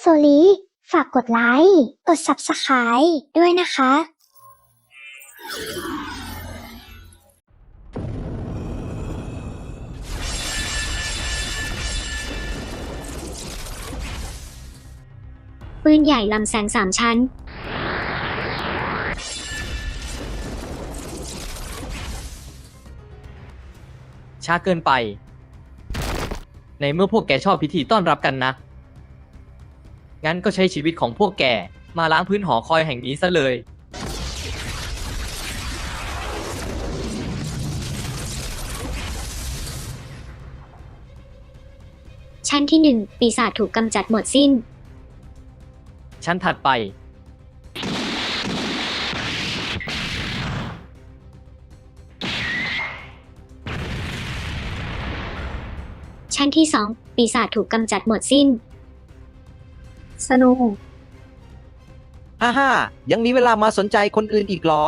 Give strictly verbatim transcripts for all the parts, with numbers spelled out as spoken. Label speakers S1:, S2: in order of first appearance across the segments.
S1: ลีฝากกดไลค์ กด ซับสไครบ์ ด้วยนะคะ
S2: ปืนใหญ่ลำแสงสามชั้น
S3: ช้าเกินไป ในเมื่อพวกแกชอบพิธีต้อนรับกันนะ งั้นก็ใช้ชีวิตของพวกแกมาล้างพื้นหอคอยแห่งนี้ซะเลย
S2: ชั้นที่หนึ่งปีศาจถูกกำจัดหมดสิ้น
S3: ชั้นถัดไป
S2: ชั้นที่สองปีศาจถูกกำจัดหมดสิ้น
S4: สนุก
S5: ฮ่าฮ่ายังมีเวลามาสนใจคนอื่นอีกเหรอ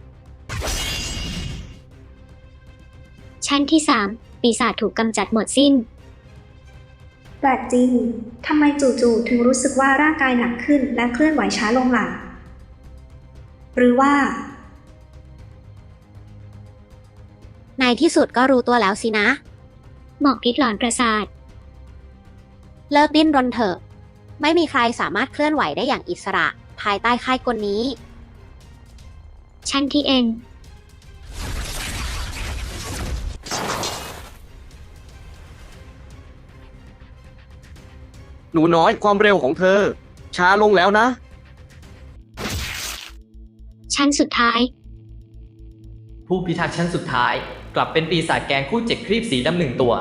S2: ชั้นที่สามปีศาจถูกกำจัดหมดสิ้น
S4: แปลกจริง ทำไมจู่ๆถึงรู้สึกว่าร่างกายหนักขึ้นและเคลื่อนไหวช้าลงล่ะ หรือว่า
S6: ในที่สุดก็รู้ตัวแล้วสินะ
S2: หมอกพิษหลอนประสาท
S6: เลิกดิ้นรนเถอะ ไม่มีใครสามารถเคลื่อนไหวได้อย่างอิสระ ภายใต้ค่ายกลนี้
S2: ชั้นที่เอ็น
S5: หนูน้อยความเร็วของเธอ ช้าลงแล้วนะ
S2: ชั้นสุดท้าย
S3: ผู้พิทักษ์ชั้นสุดท้าย กลับเป็นปีศาจแกงคู่เจ็ดครีบสีดำหนึ่งตัว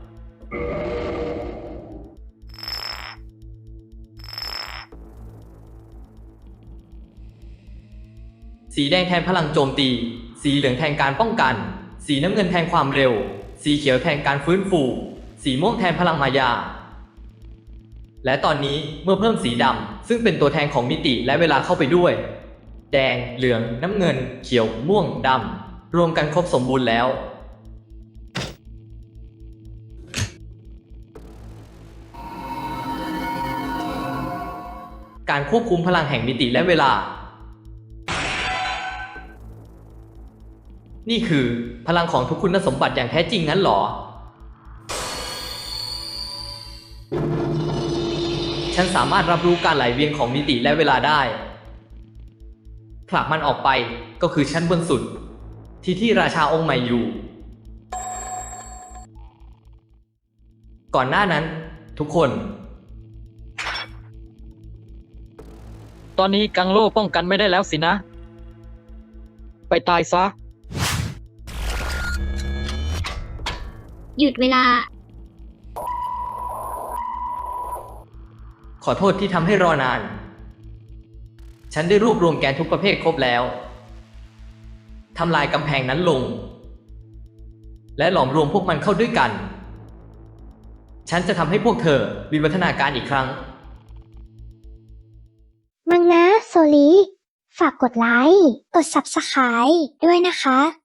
S3: สีแดงแทนพลังโจมตี สีเหลืองแทนการป้องกัน สีน้ำเงินแทนความเร็ว สีเขียวแทนการฟื้นฟู สีม่วงแทนพลังมายา และตอนนี้เมื่อเพิ่มสีดำซึ่งเป็นตัวแทนของมิติและเวลาเข้าไปด้วย แดง เหลือง น้ำเงิน เขียว ม่วง ดำ รวมกันครบสมบูรณ์แล้ว การควบคุมพลังแห่งมิติและเวลา นี่คือพลังของทุกคุณสมบัติอย่างแท้จริงงั้นหรอ ฉันสามารถรับรู้การไหลเวียนของมิติและเวลาได้ ผลักมันออกไปก็คือชั้นบนสุด ที่ที่ราชาองค์ใหม่อยู่ ก่อนหน้านั้นทุกคน
S7: ตอนนี้กังโลป้องกันไม่ได้แล้วสินะ ไปตายซะ
S2: หยุดเวลา
S3: ขอโทษที่ทำให้รอนาน ฉันได้รวบรวมแกนทุกประเภทครบแล้ว ทำลายกำแพงนั้นลง และหลอมรวมพวกมันเข้าด้วยกัน ฉันจะทำให้พวกเธอวิวัฒนาการอีกครั้ง
S1: มังนะโซลีฝากกดไลค์ กด ซับสไครบ์ ด้วยนะคะ